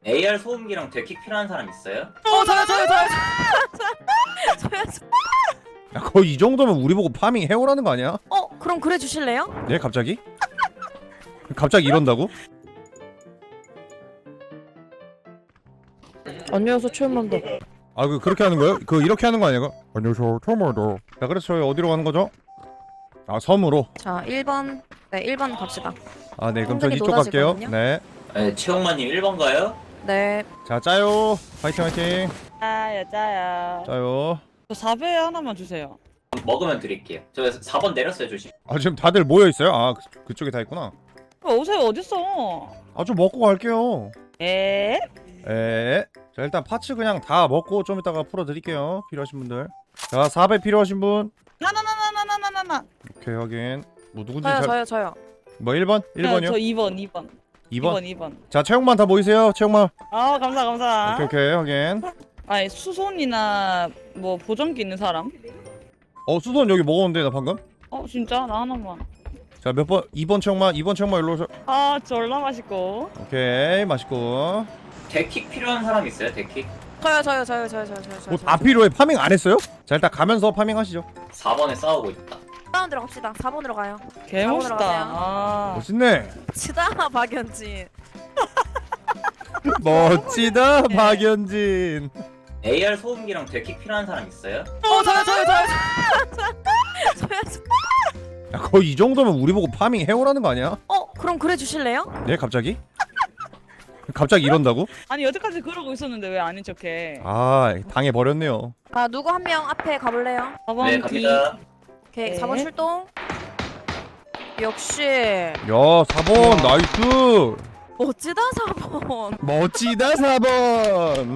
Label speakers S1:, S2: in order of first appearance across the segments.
S1: AR 소음기랑 데킥 필요한 사람 있어요?
S2: 저요.
S3: 야, 거의 이 정도면 우리 보고 파밍 해오라는 거 아니야?
S2: 그럼 그래 주실래요?
S3: 네, 갑자기? 갑자기 이런다고?
S2: 안녕하세요 최현만다.
S3: 아, 그렇게 하는 거예요? 이렇게 하는 거 아니야? 안녕하세요, 처음으로. 자, 그래서 저희 어디로 가는 거죠? 아, 섬으로.
S2: 자 1번. 네 1번 갑시다.
S3: 아, 네, 그럼 전
S2: 엉덩이
S3: 이쪽 갈게요.
S2: 노다지거든요?
S3: 네.
S1: 네, 최홍만님 1번 가요?
S2: 네.
S3: 자, 짜요. 화이팅.
S4: 여자야.
S3: 짜요.
S4: 저 4배 하나만 주세요.
S1: 먹으면 드릴게요. 저 4번 내렸어요, 조심.
S3: 아, 지금 다들 모여 있어요? 아, 그쪽에 다 있구나.
S4: 오세요 어딨어?
S3: 아, 좀 먹고 갈게요.
S4: 에?
S3: 자, 일단 파츠 그냥 다 먹고 좀 이따가 풀어 드릴게요. 필요하신 분들. 자, 4배 필요하신 분.
S4: 나나나나나나나나.
S3: 오케이, 확인. 뭐 누군지
S2: 저요.
S3: 뭐 1번? 1번이요?
S4: 저 2번.
S3: 2번?
S4: 2번.
S3: 자, 체육만 다 모이세요. 체육만.
S4: 아 감사.
S3: 오케이, 확인.
S4: 아니 수손이나 뭐 보정기 있는 사람?
S3: 수선 여기 먹었는데 나 방금.
S4: 진짜? 나 하나만.
S3: 자, 몇 번? 2번 체육만 일로 오셔.
S4: 아 졸라 맛있고.
S3: 오케이, 맛있고.
S1: 데킥 필요한 사람 있어요, 데킥?
S2: 저요.
S3: 뭐 다 필요해. 파밍 안 했어요? 자, 일단 가면서 파밍하시죠.
S1: 4번에 싸우고 있다.
S2: 4번으로 갑시다. 4번으로 가요.
S4: 개멋있다.
S2: 들어가세요.
S4: 아.
S3: 멋있네.
S2: 치다 박연진.
S3: 멋지다, 박연진.
S1: AR 소음기랑 데킥 필요한 사람 있어요?
S2: 저요.
S3: 야, 거의 이 정도면 우리 보고 파밍 해오라는 거 아니야?
S2: 그럼 그래 주실래요?
S3: 네, 갑자기? 갑자기 이런다고?
S4: 아니 여태까지 그러고 있었는데 왜 아닌 척해?
S3: 아, 당해버렸네요.
S2: 자 누구 한 명 앞에 가볼래요?
S4: 4번
S1: 네,
S4: 뒤.
S1: 갑니다.
S2: 오케이
S4: 네.
S2: 4번 출동. 역시
S3: 야, 4번 나이스.
S2: 멋지다 4번.
S3: 멋지다, 4번.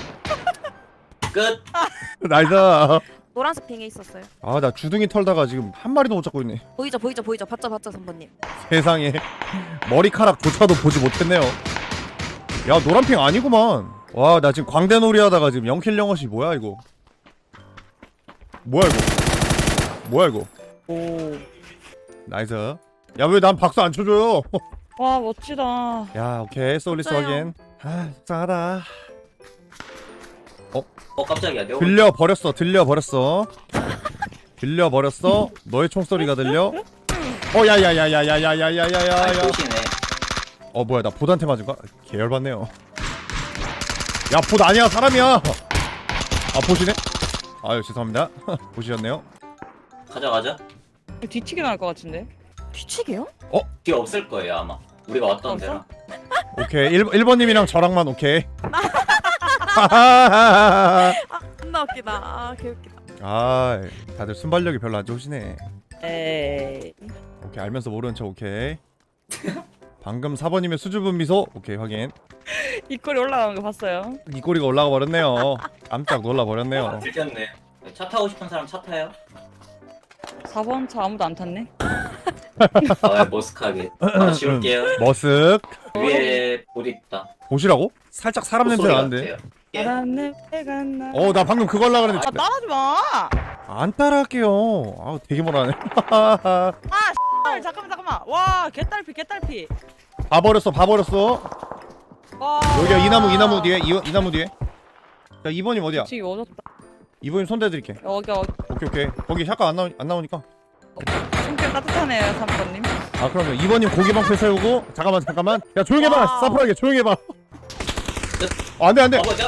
S1: 끝!
S3: 나이스.
S2: 노란색 빙에 있었어요.
S3: 아, 나 주둥이 털다가 지금 한 마리도 못 잡고 있네.
S2: 보이죠. 봤죠 선배님.
S3: 세상에. 머리카락조차도 보지 못했네요. 야, 노란핑 아니구만. 와, 나 지금 광대놀이 하다가 지금 0킬 0엇이 뭐야 이거. 뭐야 이거.
S4: 오.
S3: 나이스. 야, 왜 난 박수 안 쳐줘요?
S4: 와 멋지다.
S3: 야, 오케이. 솔리스
S2: 진짜요?
S3: 확인. 아, 속상하다.
S1: 깜짝이야. 내가
S3: 들려버렸어. 너의 총소리가 들려. 야야야야야야야야야야야.
S1: 보시네.
S3: 뭐야, 나 보드한테 맞은 거야? 계열받네요. 야, 보드 아니야, 사람이야. 보시네? 아유, 죄송합니다. 보시셨네요.
S1: 가자.
S4: 뒤치기 나올 것 같은데.
S2: 뒤치기요?
S1: 뒤에 없을 거예요, 아마. 우리가 왔던
S4: 없어?
S1: 데랑.
S3: 오케이, 1번님이랑 저랑만 오케이.
S2: 겁나 웃기다. 개웃기다.
S3: 아, 다들 순발력이 별로 안 좋으시네.
S4: 에이.
S3: 오케이, 알면서 모르는 척 오케이. 방금 4번님의 수줍은 미소 오케이, 확인.
S4: 이 꼴이 올라가는 거 봤어요?
S3: 이 꼬리가 올라가 버렸네요. 깜짝 놀라 버렸네요.
S1: 들켰네. 차 타고 싶은 사람 차 타요?
S4: 4번 차 아무도 안 탔네.
S1: 머스크하게. 하나 지울게요.
S3: 머쓱.
S1: 위에 봇 있다.
S3: 보시라고? 살짝 사람 냄새
S1: 소리
S3: 나는데.
S1: 같아요. 예.
S4: 바람에 나.
S3: 나 방금 그거 하려고 그랬는데
S4: 따라하지 마.
S3: 안 따라할게요. 되게 뭐라네.
S4: 잠깐만. 와 개딸피.
S3: 봐버렸어.
S4: 와.
S3: 여기야, 이 나무 뒤에. 이 나무 뒤에. 자, 2번님 어디야?
S4: 뒤치기 오졌다.
S3: 2번님 손대드릴게.
S4: 여기
S3: 오케이. 거기 샷각 안 나오니까.
S4: 숨결 따뜻하네요 3번님.
S3: 그러면 2번님 고기 방패 세우고. 잠깐만. 야, 조용히 해봐.
S2: 와우.
S3: 사프하게 조용히 해봐. 안 돼.
S1: 내 앞에.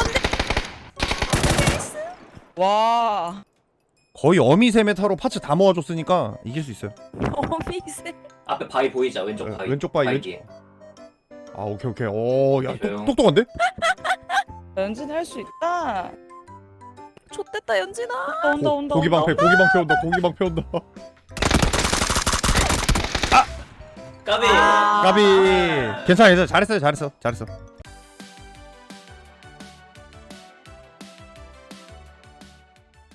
S4: 와.
S3: 거의 어미세메타로 파츠 다 모아줬으니까 이길 수 있어요.
S2: 어미세.
S1: 앞에 바위 보이자, 왼쪽 바위.
S3: 왼쪽 바위,
S1: 뒤에.
S3: 오케이. 야,
S1: 조용.
S3: 똑똑한데?
S4: 연진 할 수 있다.
S2: 좆됐다 연진아.
S4: 온다.
S3: 고기 방패 온다.
S1: 까비.
S3: 까비. 괜찮아. 잘했어요.